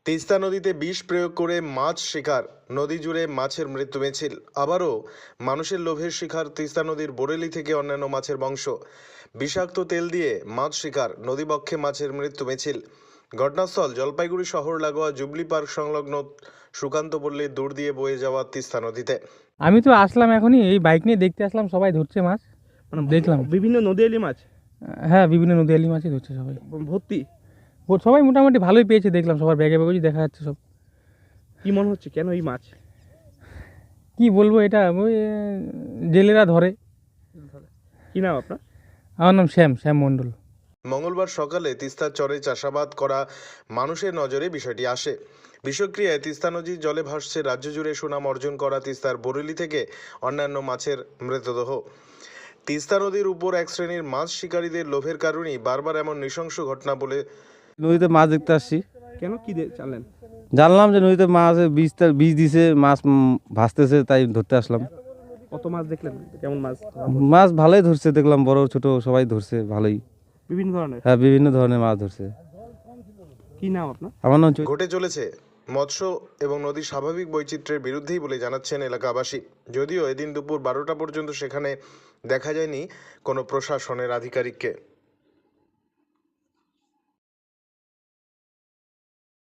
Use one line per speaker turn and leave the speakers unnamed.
তিস্তা নদীতে বিষ প্রয়োগ করে মাছ শিকার, নদী জুড়ে মাছের মৃত্যু মিছিল। আবারও মানুষের লোভের শিকার তিস্তা নদীর বোরেলি থেকে অন্যান্য মাছের বংশ। বিষাক্ত তেল দিয়ে মাছ শিকার, নদীবক্ষে মাছের মৃত্যু মিছিল। ঘটনাস্থল জলপাইগুড়ি শহর লাগোয়া জুবলি পার্ক সংলগ্ন সুকান্ত পল্লীর দূর দিয়ে বয়ে যাওয়া তিস্তা নদীতে।
আমি তো আসলাম এখনই, এই বাইক নিয়ে দেখতে আসলাম, সবাই ধরছে মাছ, দেখলাম।
বিভিন্ন নদীয়ালি মাছ
হ্যাঁ, বিভিন্ন নদীয়ালি মাছই ধরছে সবাই,
ভর্তি।
সবাই মোটামুটি ভালোই পেয়েছে, দেখলাম সবার ব্যাগে ব্যাগেই দেখা যাচ্ছে সব।
কি মনে হচ্ছে কেন এই মাছ?
কি বলবো, এটা ওই জেলেরা ধরে।
কি নাম আপনার?
আমার নাম শ্যাম মণ্ডল।
মঙ্গলবার সকালে তিস্তার চরে চাষাবাদ করা মানুষের নজরে বিষয়টি আসে। বিষক্রিয়ায় তিস্তা নদীর জলে ভাসছে রাজ্য জুড়ে সুনাম অর্জন করা তিস্তার বোরেলি থেকে অন্যান্য মাছের মৃতদেহ। তিস্তা নদীর উপর এক শ্রেণীর মাছ শিকারীদের লোভের কারণেই বারবার এমন নৃশংস ঘটনা বলে।
নদীতে মাছ দেখতে আসছি,
কেন কি জানলেন?
জানলাম যে নদীতে মাছ বীজ দিছে, মাছ ভাসতেছে, তাই ধরতে আসলাম।
কত মাছ দেখলেন? কেমন মাছ?
মাছ ভালোই ধরছে, দেখলাম বড় ছোট সবাই ধরছে ভালোই।
বিভিন্ন ধরনের।
হ্যাঁ, বিভিন্ন ধরনের মাছ ধরছে।
কি নাম আপনার?
আমার নাম
ঘটে চলেছে মৎস্য এবং নদীর স্বাভাবিক বৈচিত্র্যের বিরুদ্ধেই বলে জানাচ্ছেন এলাকাবাসী। যদিও এদিন দুপুর 12টা পর্যন্ত সেখানে দেখা যায়নি কোনো প্রশাসনের আধিকারিককে।